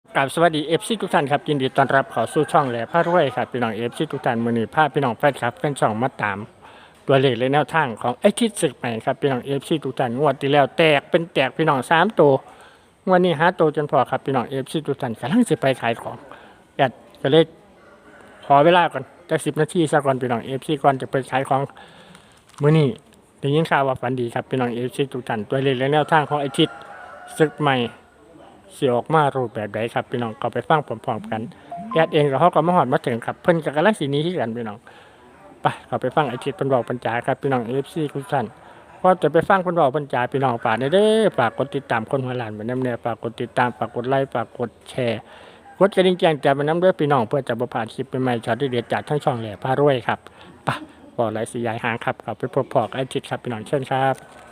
กับสวัสดีเอฟซีทุกท่านครับยินดีต้อนรับเข้าสู่ช่องแหล่พระรวยครับพี่น้องเอฟซีทุกท่านมื้อนี้พาพี่น้องแฟนครับแฟนช่องมาตามตัวเลขและแนวทางของไอ้ทิศศึกใหม่ครับพี่น้องเอฟซีทุกท่านงวดที่แล้วแตกเป็นแตกพี่น้อง3ตัวงวดนี้หาตัวจนพอครับพี่น้องเอฟซีทุกท่านกำลังสิไปขายของแอดก็เลยขอเวลาก่อนจัก10 นาทีซะก่อนพี่น้องเอฟซีก่อนจะไปขายของมื้อนี้ได้ยินข่าวว่าฝันดีครับพี่น้องเอฟซีทุกท่านตัวเลขและแนวทางของไอ้ทิศศึกใหม่สิออกมารูปแบบใดครับพี่น้องก็ไปฟังพร้อมๆกันแอดเองก็เขาก็มาฮอดมาถึงครับเพิ่นก็กำลังสิหนี้คือกันพี่น้องไปก็ไปฟังไอ้ทิศเพิ่นบอกปัญจาครับพี่น้อง FC ทุกท่านก็จะไปฟังเพิ่นบอกปัญจาพี่น้องฝากเด้อฝากกดติดตามคนหัวล้านไว้นำแน่ฝากกดติดตามฝากกดไลค์ฝากกดแชร์กดกระดิ่งแจ้งเตือนไว้นำเด้อพี่น้องเพื่อจะบ่พลาดคลิปใหม่ๆช็อตเด็ดๆจากทั้งช่องแหล่พารวยครับไปบ่หลายสิยายหางครับก็ไปพบพอกับไอ้ทิศครับพี่น้องเชิญครับ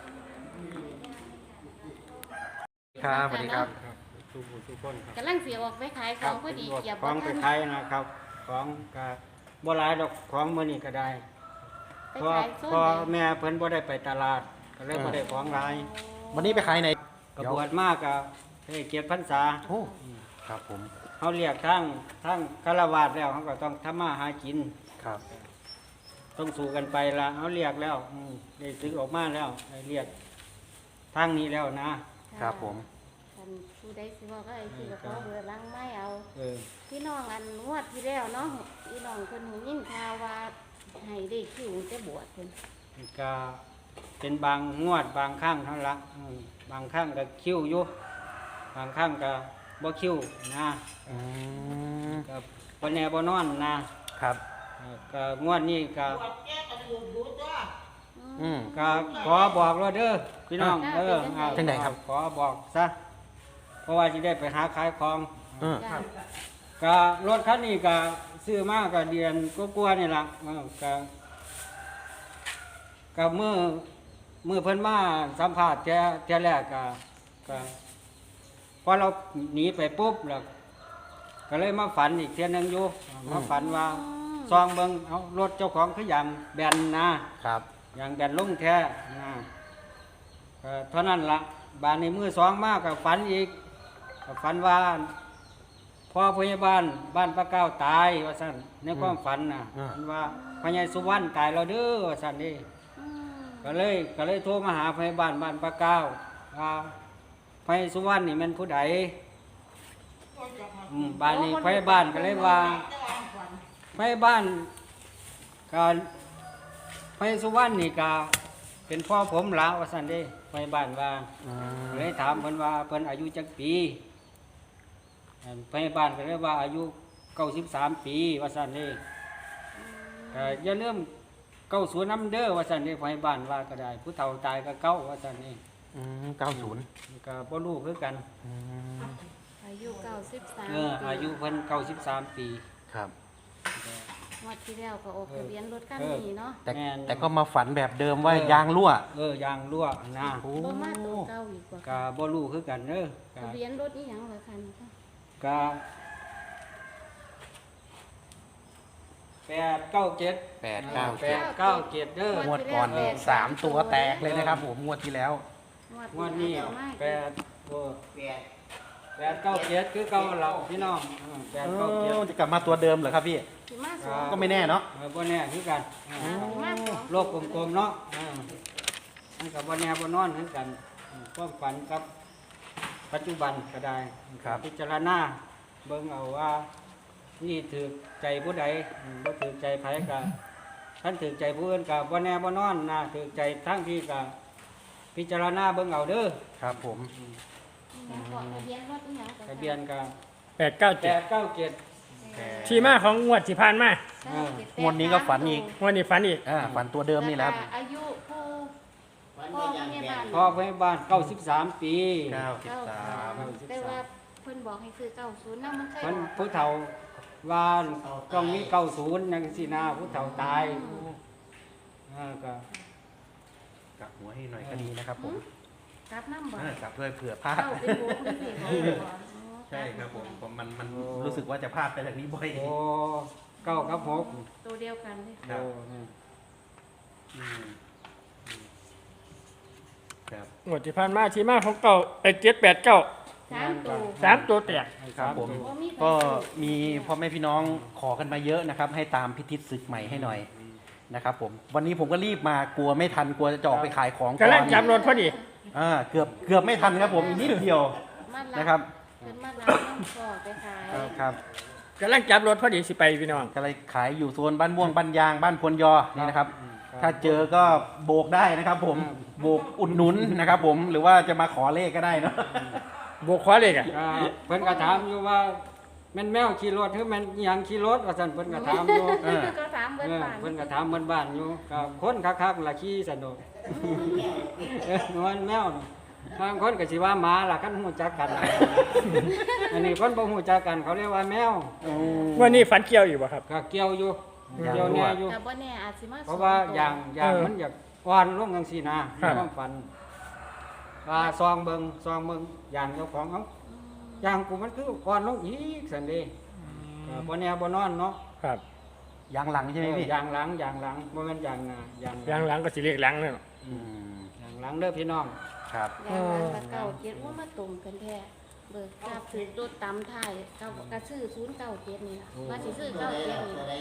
ครับสวัสดีครับทุกผู้ทุกคนครับกำลังเสียออกไปขายของพอดีเกียบของไปทันขายนะครับ ของก็บ่หลายดอกของมื้อนี้ก็ได้ไปเพราะขายโซนพอไหนแม่เพิ่นบ่ได้ไปตลาดก็เลยบ่ได้ของหลายวันนี้ไปขายไหนก็บวชมากก็ได้เกียรติพรรษาโอ้ครับผมเฮาเรียกทั้งฆราวาสแล้วเฮาก็ต้องทำมาหากินครับต้องสู้กันไปละเฮาเรียกแล้วได้สึกออกมาแล้วได้เรียกทางนี้แล้วนะครับผมคันผู้ใดสิบอกก็ไอ้ที่เขาเบอร์ล้างไม่เอาเออพี่น้องอันงวดที่แล้วเนาะพี่น้องเพิ่นหูยินข่าวว่าให้ได้คิวจะบวชเพิ่นก็เป็นบางงวดบางครั้งเท่านั้นละบางครั้งก็คิ้วอยู่บางครั้งก็บ่คิ้วนะอืมก็บ่แน่บ่นอนนะครับ ก็งวดนี้ก็อืมก็ขอบอกแล้วเด้อพี่น้องจังใดครับขอบอกซะเพราะว่าสิได้ไปหาขายของอืมจ้ะก็รถคันนี้ก็ซื้อมาก็เดือนกว่าๆนี่ล่ะก็มือเพิ่นมาสัมภาษณ์เที่ยแรกก็พอเราหนีไปปุ๊บแล้วก็เลยมาฝันอีกเที่ยหนึงอยู่มาฝันว่าซองเบิ่งเอารถเจ้าของคืออย่างแบนนะครับ อย่างแบนลงแท้นะก็เท่านั้นละบานในมือสองมากกับฝันอีกก็ฝันว่าพ่อพยาบาลบ้านป้าเก้าตายว่าสั่นในความฝันนะฝันว่าพญายสุวรรณตายแล้วเด้อว่าสั่นนี่อืมก็เลยโทรมาหาพยาบาลบ้านป้าเก้าว่าพญายสุวรรณนี่แมันผู้ใดบ้านนี้พยาบาลก็เลยว่าพยาบาลก็พญายสุวรรณนี่ก็เป็นพ่อผมละว่าสั่นเด้พยาบาลว่าอืมเลยถามเพิ่นว่าเพิ่นอายุจักปีพยาบาลก็เลยว่าอายุ93ปีว่าซั่นนี่ก็อย่าลืม90นำเด้อว่าซั่นนี่พยาบาลว่าก็ได้ผู้เฒ่าตายก็เก้าว่าซั่นนี่อืม90 ก็บ่รู้คือกันอืมอายุ93 อายุเพิ่น93ปีครับงวดที่แล้วก็ออกทะเบียนรถคันนี้เนาะแต่แม่นแต่ก็มาฝันแบบเดิมว่ายางรั่วยางรั่วนะโอ้บ่มาตัวเก่าอีกว่าก็บ่รู้คือกันเด้อก็ทะเบียนรถนี่หยังเหรอคันคะก็897 897 เด้องวดก่อนนี่3ตัวแตกเลยนะครับผมงวดที่แล้วงวดนี้เอามา 897คือเก่าเราพี่น้อง897 จะกลับมาตัวเดิมเหรอครับพี่สิมาสองก็ไม่แน่เนาะบ่แน่คือกันสิมาสองโลกกลมๆเนาะมันก็บ่แน่บ่นอนคือกันความฝันกับปัจจุบันก็ได้ครับพิจารณาเบิ่งเอาว่านี่ถือใจผู้ใดบ่ถือใจไผก็ท่านถือใจผู้อื่นก็บ่แน่บ่นอนนะถือใจทั้งที่ก็พิจารณาเบิ่งเอาเด้อครับผมทะเบียนรถนี่หยังทะเบียนก็ 897 897 ที่มาของงวดที่ผ่านมางวดนี้ก็ฝันอีกงวดนี้ฝันอีกฝันตัวเดิมนี่แหละครับอายุผู้พ่อพยาบาลพ่อพยาบาล93 ปี 93 แต่ว่าเพิ่นบอกให้ซื้อ90นำมันเคยมันออกผู้เฒ่าว่าต้องมี90จังซี่นะผู้เฒ่าตายก็กลับหัวให้หน่อยก็ดีนะครับผมกลับน้ำบ่กลับด้วยเผื่อพลาดเข้าเป็นหัวคุณสิบ่ใช่ครับผมมันรู้สึกว่าจะพลาดไปจากนี้บ่อยโอ้9กับ6 ตัวเดียวกันเลยครับโอ้นี่อืมครับงวดที่ผ่านมาที่มาของเก่า789 3 ตัวแตกครับผมบ่มีก็มีพ่อแม่พี่น้องขอกันมาเยอะนะครับ ให้ตามพิทิศศึกใหม่ให้หน่อยนะครับผมวันนี้ผมก็รีบมากลัวไม่ทันกลัวจะออกไปขายของก่กำลัอง นจับรถพอดีเกือบไม่ทันครับผมอีกนิดเดียวมารับนะครับเพิ่นมารับน้ำพ่อไปขายครับกำลังจับรถพอดีสิไปพี่น้องก็เลยขายอยู่โซนบ้านม่วงบ้านยางบ้านพลยอนี่นะครับ ถ้าเจอก็โบกได้นะครับ ผมโบกอุดหนุนนะครับผมหรือว่าจะมาขอเลขก็ได้เนาะโบกขวาเลยอ่ะก็เพิ่นก็ถามอยู่ว่าแม่นแมวขี่รถหรือแม่นอิหยังขี่รถว่าซั่นเพิ่นก็ถามอยู่ก็ถามเบิดบ้านเพิ่นก็ถามบ้านๆอยู่ก็คนคักๆล่ะขี่ซั่นโดดมันแมวน่ะบางคนก็สิว่าหมาล่ะคันฮู้จักกัน อันนี้เพิ่นบ่ฮู้จักกันเขาเรียกว่าแมววันนี้ฝันเกี่ยวอยู่บ่ครับก็เกี่ยวอยู่เกี่ยวแน่อยู่แต่บ่แน่อาจสิมาเพราะว่าอย่างมันอยากอ่อนลงจังซี่นะครัในบความฝันว่าซองเบิ่งอย่างเจ้าของเอาอย่างกูมันคืออ่อนลงอีกซั่นเด้บ่แน่บ่นอนเนาะครับยางหลังใช่ไหมพี่อย่างหลังบ่แม่นอย่างหน้าอย่างยางหลังก็สิเรียกหลังนั่นอืมอย่างหลังเด้อพี่น้องครับอย่างนั้นก็เก่าเจ็ดว่ามาตรงกันแท้เบิกทราบถือตัวตำไทายเก่ากระซื้อ097นี่ล่ะว่าสิซื้อ97นี่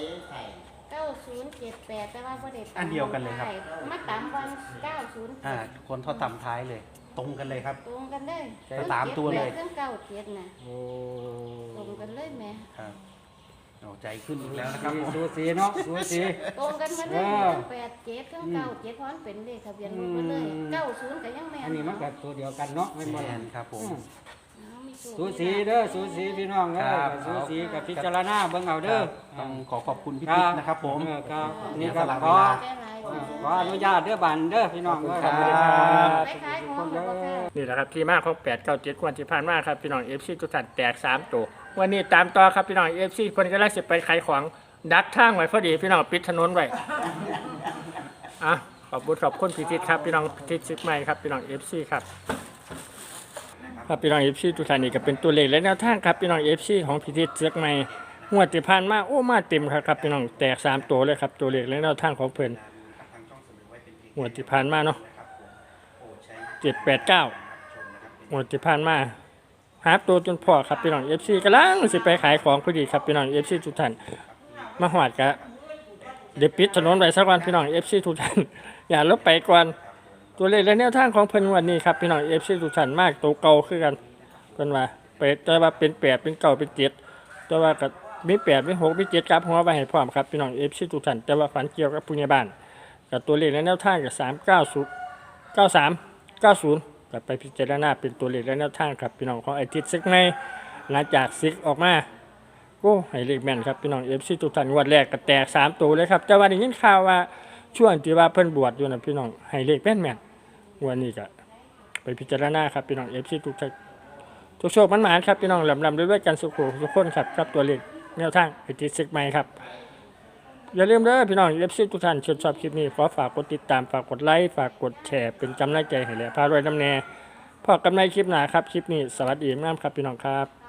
9078แต่ว่าบ่ได้ตำอันเดียวกันเลยครับมาตำวัน90 คนทอดต่ำท้ายเลย ตรงกันเลยครับตรงกันเลยแต่ตามตัวเลยเครื่องเก่าเจ็ดน่ะโอ้ตรงกันเลยแหม่ครับเอาใจขึ้นอีกแล้วนะครับผมสูสีเนาะสูสีตรงกันมาเลยเออเครื่อง87เครื่องเก่า7เพราะมันเป็นเลขทะเบียนรถมาเลยอืม 90ก็ยังแม่นอันนี้มันก็ตัวเดียวกันเนาะแม่นบ่แมล่ะนครับผมเอามีสูสีเด้อสูสีพี่น้องเด้อครับสูสีกับพิจารณาเบิ่งเอาเด้อต้องขอบคุณพี่ติ๊กนะครับผมครับนี่เสีก็ยสละขเวอลาได้หลายคนขออนุญาตเด้อบันเด้อพี่น้องเด้อขอบคุณครับไปขายของบ่ค่ะนี่แหละครับที่มาของ897วันที่ผ่านมาครับพี่น้อง FC ทุกท่านแตก3ตัววันนี้ตามต่อครับพี่น้อง FC คนกำลังสิไปขายของดักทางไว้พอดีพี่น้องปิดถนนไว้อ่ะขอบคุณพี่ทิศครับพี่น้องพิทิศซึกใหม่ครับพี่น้อง FC ครับครับพี่น้อง FC ทุกท่านนี่ก็เป็นตัวเลขและแนวทางครับพี่น้อง FC ของพิทิศซึกใหม่งวดที่ผ่านมาโอ้มาเต็มครับพี่น้องแตก3ตัวเลยครับตัวเลขและแนวทางของเพิ่นงวดที่ผ่านมาเนาะ789งวดที่ผ่านมาหาตัวจนพอครับพี่น้อง FC กำลังสิไปขายของพอดีครับพี่น้อง FC ทุกท่านมาหอดกะเดี๋ยวปิดถนนไว้สักวันพี่น้อง FC ทุกท่าน อย่าลบไปก่อนตัวเลขและแนวทางของเพิ่นวันนี้ครับพี่น้อง FC ทุกท่านมากตัวเก่าคือกันเพิ่นว่าไปแต่ว่าเป็น8เป็น9เป็น7แต่ว่าก็มี8มี6มี7ครับหัวไว้ให้พร้อมครับพี่น้อง FC ทุกท่านแต่ว่าฝันเกี่ยวกับผู้ใหญ่บ้านกับตัวเลขและแนวทางกับ390 93 90ก็ไปพิจารณาเป็นตัวเลขและแนวทางครับพี่น้องของไอทิศซึกในหลังจากซึกออกมาโอ้ให้เลขแม่นครับพี่น้อง FC ทุกท่านงวดแรกก็แตก3ตัวเลยครับแต่ว่าได้ยินข่าวว่าช่วงที่ว่าเพิ่นบวชอยู่น่ะพี่น้องให้เลขแม่นๆงวดนี้ก็ไปพิจารณาครับพี่น้อง FC ทุกท่านทุกโชคมันหมานครับพี่น้องลำๆด้วยกันสุขทุกคนครับครับตัวเลขแนวทางไอทิศซึกใหม่ครับอย่าลืมเด้อพี่น้องFC ทุกท่านชอบคลิปนี้ขอฝากกดติดตามฝากกดไลค์ฝากกดแชร์เป็นกำลังใจให้แหละพารวยน้ำแน่พอกันในคลิปหน้าครับคลิปนี้สวัสดีมากครับพี่น้องครับ